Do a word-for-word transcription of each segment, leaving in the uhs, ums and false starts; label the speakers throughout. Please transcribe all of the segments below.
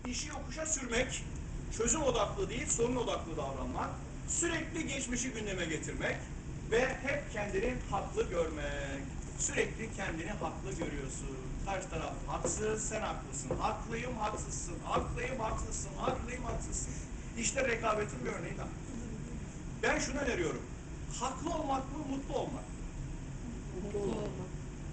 Speaker 1: işi yokuşa sürmek, çözüm odaklı değil, sorun odaklı davranmak, sürekli geçmişi gündeme getirmek ve hep kendini haklı görmek. Sürekli kendini haklı görüyorsun. Karşı taraf haksız, sen haklısın. Haklıyım, haksızsın. Haklıyım, haksızsın. Haklıyım, haksızsın. İşte rekabetin bir örneği daha. Ben şunu öneriyorum. Haklı olmak mı, mutlu olmak mı?
Speaker 2: Mutlu olmak.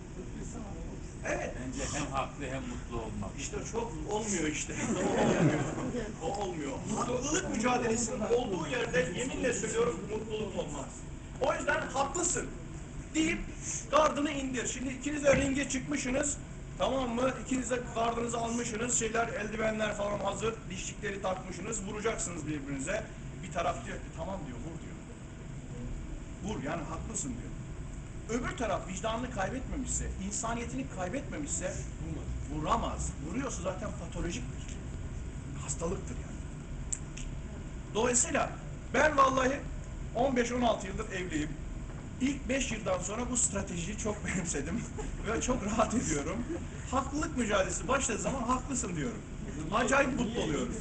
Speaker 1: Evet.
Speaker 3: Bence hem haklı hem mutlu olmak.
Speaker 1: İşte çok olmuyor işte. O olmuyor. O olmuyor. Haklılık mücadelesinin olduğu yerde yeminle söylüyorum mutluluk olmaz. O yüzden haklısın deyip gardını indir. Şimdi ikiniz de ringe çıkmışsınız. Tamam mı? İkiniz de gardınızı almışsınız. Şeyler, eldivenler falan hazır. Dişlikleri takmışsınız. Vuracaksınız birbirinize. Bir taraf diyor ki tamam diyor, vur diyor. Vur yani haklısın diyor. Öbür taraf vicdanını kaybetmemişse, insaniyetini kaybetmemişse vuramaz. Vuruyorsa zaten patolojiktir. Hastalıktır yani. Dolayısıyla ben vallahi on beş on altı yıldır evliyim. İlk beş yıldan sonra bu stratejiyi çok benimsedim ve çok rahat ediyorum. Haklılık mücadelesi başladığı zaman haklısın diyorum. Acayip mutlu oluyorum.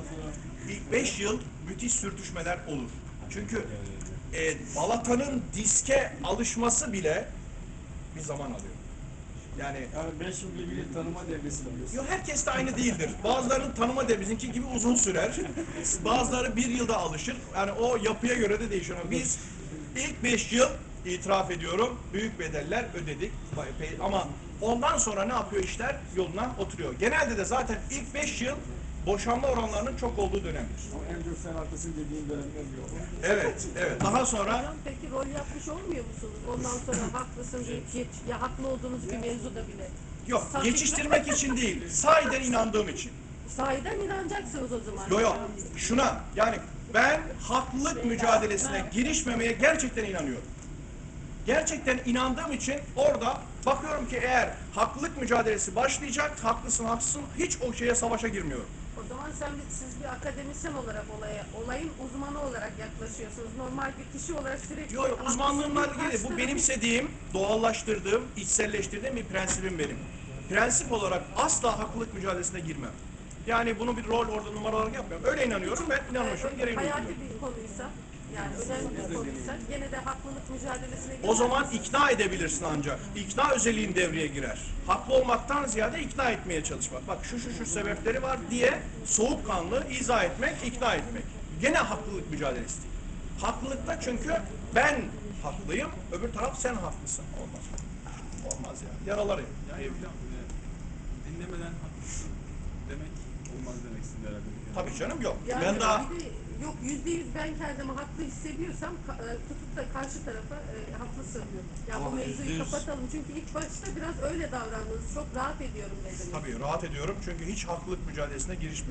Speaker 1: İlk beş yıl müthiş sürtüşmeler olur. Çünkü e, balatanın diske alışması bile bir zaman alıyor. Yani
Speaker 4: Yani beş yıl birbirini tanıma devresi diyorsun.
Speaker 1: yo, herkes de aynı değildir. Bazılarının tanıma devri bizimki gibi uzun sürer. Bazıları bir yılda alışır. Yani o yapıya göre de değişiyor. Ama biz ilk beş yıl itiraf ediyorum büyük bedeller ödedik. Ama ondan sonra ne yapıyor işler? Yoluna oturuyor. Genelde de zaten ilk beş yıl boşanma oranlarının çok olduğu dönemdir.
Speaker 4: Ama en çok sen haklısın dediğin dönemler yok.
Speaker 1: Evet, evet. Daha sonra
Speaker 2: Hocam peki rol yapmış olmuyor musunuz? Ondan sonra haklısın deyip geç, ya haklı olduğunuz bir mevzuda bile.
Speaker 1: yok,
Speaker 2: Sa-
Speaker 1: geçiştirmek için değil, sahiden inandığım için.
Speaker 2: Sahiden inanacaksınız o zaman.
Speaker 1: Yok yok, şuna yani ben haklılık mücadelesine girişmemeye gerçekten inanıyorum. Gerçekten inandığım için orada bakıyorum ki eğer haklılık mücadelesi başlayacak, haklısın haksızsın, hiç o şeye savaşa girmiyorum.
Speaker 2: O zaman sen siz bir akademisyen olarak olaya, olayın uzmanı olarak yaklaşıyorsunuz. Normal bir kişi olarak sürekli...
Speaker 1: Yok yok, uzmanlığımla
Speaker 2: haklısın,
Speaker 1: ilgili bu
Speaker 2: karşı
Speaker 1: benimsediğim, doğallaştırdığım, içselleştirdiğim bir prensibim benim. Prensip olarak asla haklılık mücadelesine girmem. Yani bunu bir rol orada numara olarak yapmıyorum. Öyle inanıyorum ve inanmışım,
Speaker 2: tarafı,
Speaker 1: gereğini
Speaker 2: hayati
Speaker 1: uyguluyorum.
Speaker 2: bir konuysa, yani önemli bir konuysa gene de haklılık mücadelesine
Speaker 1: O zaman
Speaker 2: girmezsiniz.
Speaker 1: ikna edebilirsin ancak. İkna özelliğin devreye girer. Haklı olmaktan ziyade ikna etmeye çalışmak. Bak şu şu şu sebepleri var diye soğukkanlı izah etmek, ikna etmek. Gene haklılık mücadelesi değil. Haklılıkta çünkü ben haklıyım, öbür taraf sen haklısın. Olmaz. Olmaz ya. Yaralar yani.
Speaker 5: Yani hocam e, dinlemeden haklısın demek olmaz demek istedim herhalde.
Speaker 1: Tabii canım yok.
Speaker 2: Yani
Speaker 1: Ben daha
Speaker 2: bir de yok yüzde yüz ben kendimi haklı hissediyorsam ka- e, tutup da karşı tarafa e, haklısın diyor. Ya bu
Speaker 5: Ama
Speaker 2: mevzuyu
Speaker 5: yüzde yüz-
Speaker 2: kapatalım çünkü ilk başta biraz öyle davrandınız. Çok rahat ediyorum dediniz.
Speaker 1: tabii rahat ediyorum çünkü hiç haklılık mücadelesine girişmiyorum.